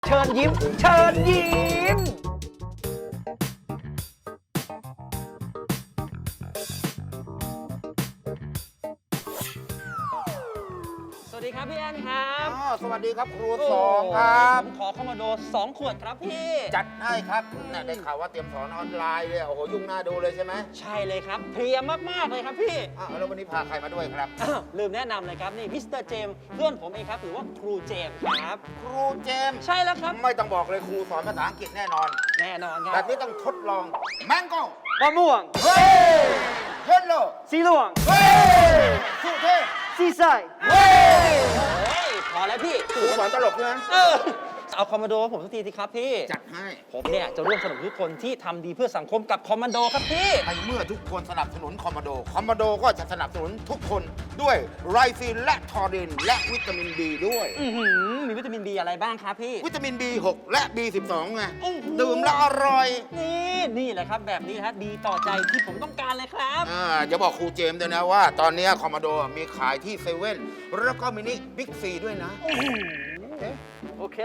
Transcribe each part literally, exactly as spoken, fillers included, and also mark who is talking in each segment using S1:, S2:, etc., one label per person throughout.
S1: เชิญยิ้ม เชิญยิ้ม
S2: สวัสดีครับพี่แอนครับ
S3: อ๋อสวัสดีครับครูสองครับ
S2: ผมขอคอมมานโดสองขวดครับพี่
S3: จัดให้ครับเนี่ยได้ข่าวว่าเตรียมสอนออนไลน์เลยโอ้โหยุ่งหน้าดูเลยใช่ไหม
S2: ใช่เลยครับเพลียมากๆเลยครับพี่
S3: อ้าวแล้ววันนี้พาใครมาด้วยครับ
S2: อ้าวลืมแนะนำเลยครับนี่มิสเตอร์เจมส์เพื่อนผมเองครับหรือว่าครูเจมส์ครับ
S3: ครูเจมส์
S2: ใช่แล้วครับ
S3: ไม่ต้องบอกเลยครูสอนภาษาอังกฤษแน่นอน
S2: แน่นอนค
S3: แบ
S2: รับบ
S3: นี้ต้องทดลองแมงโก้
S1: มะม่วง
S3: เฮ้ยเยลโล่
S1: สีเหลือง
S3: เฮ้ยสุเทพ
S1: สีใส
S3: เฮ้ย
S2: เฮ้ยพอแล้วพี่
S3: ครูสอนตลกใช่ไหม
S2: เออเอาคอมมานโดผมสักทีสิครับพี่
S3: จัดให้
S2: ผมเนี่ยจะร่วมสนุกทุกคนที่ทำดีเพื่อสังคมกับคอมมานโดครับพี่
S3: ในเมื่อทุกคนสนับสนุนคอมมานโดคอมมานโดก็จะสนับสนุนทุกคนด้วยไรซีนและทอรินและวิตามินดีด้วย
S2: อื้อหือมีวิตามินดีอะไรบ้างครับพี่
S3: วิตามิน บี หก และ บี สิบสอง ไง
S2: โอ้โห
S3: ดื่มแล้วอร่อย
S2: นี่นี่แหละครับแบบนี้นะฮะดีต่อใจที่ผมต้องการเลยครับ
S3: อ่าจะบอกครูเจมส์ด้วยนะว่า ตอนนี้คอมมานโดมีขายที่เซเว่นแล้วก็มินิบิ๊กซีด้วยนะ
S1: โอเค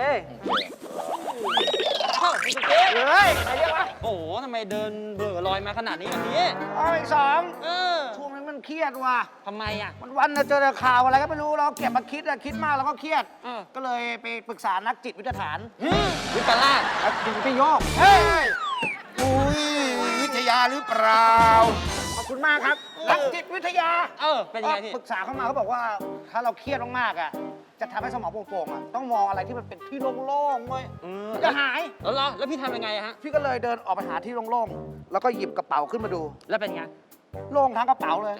S2: เข้าพี่เจ๊
S1: เฮ้ยใครเรียกวะ
S2: โอ้โหทำไมเดินเบื่อลอยมาขนาดนี้แบบนี้
S1: เอาอีกสอง
S2: เออ
S1: ช่วงนี้มันเครียดว่ะ
S2: ทำไมอ่ะ
S1: วันวันๆน่ะเจอแต่ข่าวอะไรก็ไม่รู้เราเก็บมาคิดอะคิดมากแล้วก็เครียด
S2: เออ
S1: ก็เลยไปปรึกษานักจิตวิทยาฐาน
S2: วิปลาส
S1: นักจิตวิทยาเฮ้ย
S3: อุ้ยวิทยาหรือเปล่า
S1: ขอบคุณมากครับ นักจิตวิทยา
S2: เออ เป็นยังไงพี่
S1: ปรึกษาเข้ามาเขาบอกว่าถ้าเราเครียดมากๆอ่ะจะทำให้สมองโปร่งๆอ่ะต้องมองอะไรที่มันเป็นที่โล่งๆเว้ย
S2: เออ
S1: จะหาย
S2: แล้วเหรอแล้วพี่ทำยังไงอะฮะ
S1: พี่ก็เลยเดินออกไปหาที่โล่งๆ แล้วก็หยิบกระเป๋าขึ้นมาดู
S2: แล้วเป็นไง
S1: โล่งทั้งกระเป๋าเลย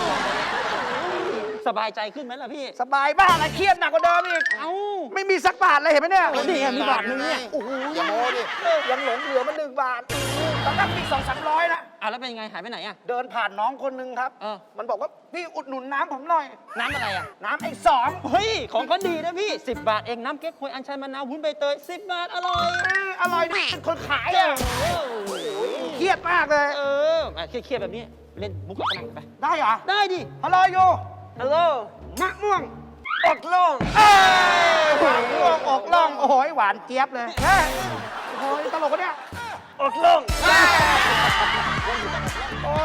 S2: สบายใจขึ้นไหมล่ะพี่
S1: สบายบ้าอะไรเครียดหนักกว่าเดิมอีก
S2: เอ้า
S1: ไม่มีสักบาทเลยเห็นไหมเนี่ย
S2: นี่ไงมีบาทนึงเนี่ย
S1: โอ้โห
S3: อย่าโม้ดิ
S1: ยังหลงเหลือมาหนึ่งบาทตอนนั้นมีสองสามร้อยนะ
S2: อ่ะแล้วเป็นยังไงหายไปไหนอะ
S1: เดินผ่านน้องคนหนึงครับ
S2: เออ
S1: มันบอกว่าพี่อุดหนุนน้ำผมหน่อย
S2: น้ำอะไรอะ
S1: น้ำไอ้สอง
S2: เฮ้ย ของก็ดีนะพี่สิบบาทเองน้ำเก๊กฮวยอัญชันมะนาววุ้นใบเตยสิบบาทอร่อย
S1: เอ้ยอร่อยดิเป็นคนขายอ่ะ
S2: โอ้โห
S1: เครียดมากเลย
S2: เอออ่ะเครียดๆแบบนี้เล่นมุกกับฝรั่งไป
S1: ได้เหรอ
S2: ได้ดิ
S1: ฮัลโหลโย
S2: ฮัลโหล
S1: มะม่วง
S2: อกโล่ง
S1: เอ้ยมะม่วงอกล่อง โอ้โหหวานเจี๊ยบเลยเฮ้ยโอ้โหตลกวะเนี่ย
S2: อกโล่ง